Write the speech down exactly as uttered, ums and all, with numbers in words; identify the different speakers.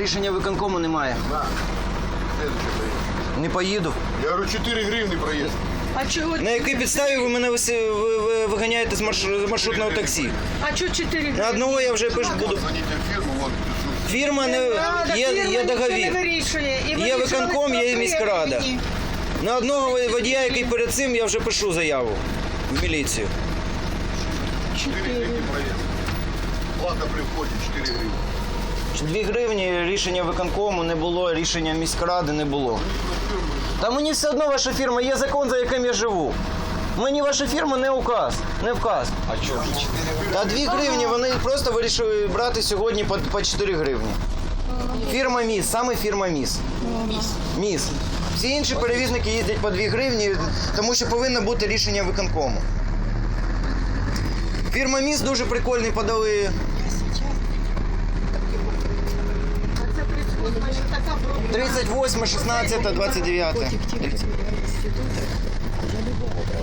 Speaker 1: рішення виконкому немає.
Speaker 2: На. Следующий проезд.
Speaker 1: Не поїду.
Speaker 2: Я говорю, чотири гривні проїзд.
Speaker 3: А чого?
Speaker 1: На якій підставі ви мене виси- ви- ви- виганяєте з марш- з маршрутного таксі?
Speaker 3: А чого чотири?
Speaker 1: На одного я вже пишу буду.
Speaker 2: Дзвоніть в фірму, вон пишу.
Speaker 1: Фірма не є, є договір. Є виконком, є міськрада. На одного водія, який перед цим, я вже пишу заяву в міліцію.
Speaker 2: чотири гривні проїзд. Плата при вході чотири гривні.
Speaker 1: Дві гривні рішення виконкому не було, рішення міськради не було. Та мені все одно ваша фірма, є закон, за яким я живу. Мені ваша фірма не указ, не вказ.
Speaker 2: А чого?
Speaker 1: Та дві гривні вони просто вирішили брати сьогодні по, по чотири гривні. Фірма МІС, саме фірма МІС. МІС. МІС. Всі інші перевізники їздять по дві гривні, тому що повинно бути рішення виконкому. Фірма МІС дуже прикольний подали. тридцять восьме, шістнадцяте, двадцять дев'яте.